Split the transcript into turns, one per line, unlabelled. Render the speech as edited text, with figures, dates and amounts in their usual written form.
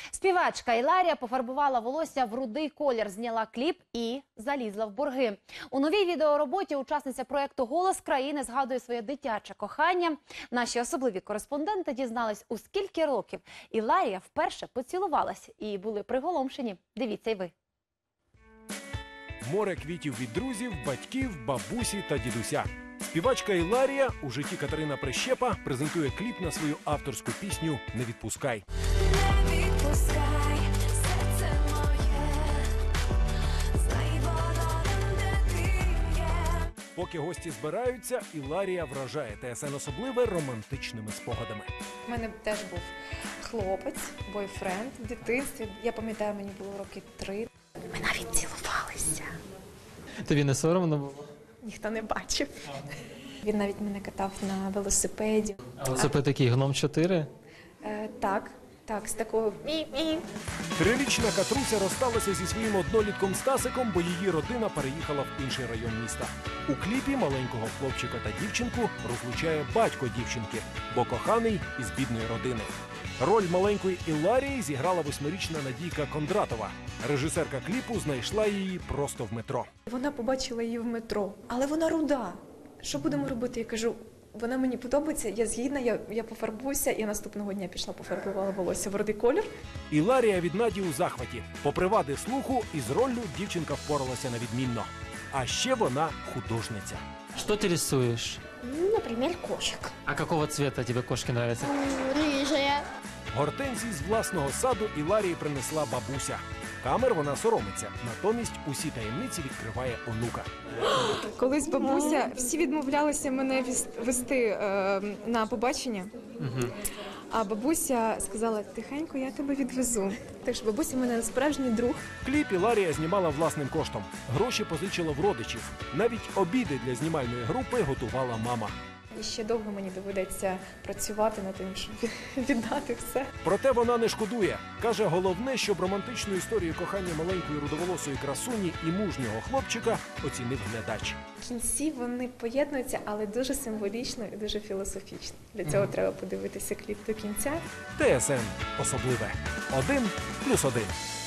Співачка Іларія пофарбувала волосся в рудий колір, зняла кліп і залізла в борги. У новій відеороботі учасниця проєкту «Голос країни» згадує своє дитяче кохання. Наші особливі кореспонденти дізнались, у скільки років Іларія вперше поцілувалась і були приголомшені. Дивіться й ви.
Море квітів від друзів, батьків, бабусі та дідуся. Співачка Іларія, у житті Катерина Прищепа, презентує кліп на свою авторську пісню «Не відпускай».
Не відпускай, серце моє, знай воно там, де ти є.
Поки гості збираються, Іларія вражає ТСН особливе романтичними спогадами.
У мене теж був хлопець, бойфренд в дитинстві. Я пам'ятаю, мені було роки 3. Ми навіть цілувалися.
Тобі не соромно було?
Ніхто не бачив. Він навіть мене катав на велосипеді.
Велосипед такий гном 4?
Так, з такого мі-мі.
Трирічна Катруся розсталася зі своїм однолітком Стасиком, бо її родина переїхала в інший район міста. У кліпі маленького хлопчика та дівчинку розлучає батько дівчинки, бо коханий із бідної родини. Роль маленької Іларії зіграла 8-річна Надійка Кондратова. Режисерка кліпу знайшла її просто в метро.
Вона побачила її в метро, але вона руда. Що будемо робити? Я кажу, вона мені подобається, я згідна, я пофарбуюся. І наступного дня пішла, пофарбувала волосся в рудий колір.
Іларія від Наді у захваті. Попри вади слуху, із роллю дівчинка впоралася на відмінно. А ще вона художниця.
Что ты рисуешь?
Например, кошек.
А какого цвета тебе кошки нравятся?
Рыжая.
Гортензії з власного саду Іларії принесла бабуся. Камер вона соромиться, натомість усі таємниці відкриває онука.
Колись бабуся, всі відмовлялися мене вести на побачення. А бабуся сказала, тихенько, я тебе відвезу. Так що бабуся в мене справжній друг.
Кліп Іларія знімала власним коштом. Гроші позичила в родичів. Навіть обіди для знімальної групи готувала мама.
І ще довго мені доведеться працювати над тим, щоб віддати все.
Проте вона не шкодує. Каже, головне, щоб романтичну історію кохання маленької рудоволосої красуні і мужнього хлопчика оцінив глядач.
В кінці вони поєднуються, але дуже символічно і дуже філософічно. Для цього треба подивитися кліп до кінця.
ТСН особливе. 1+1.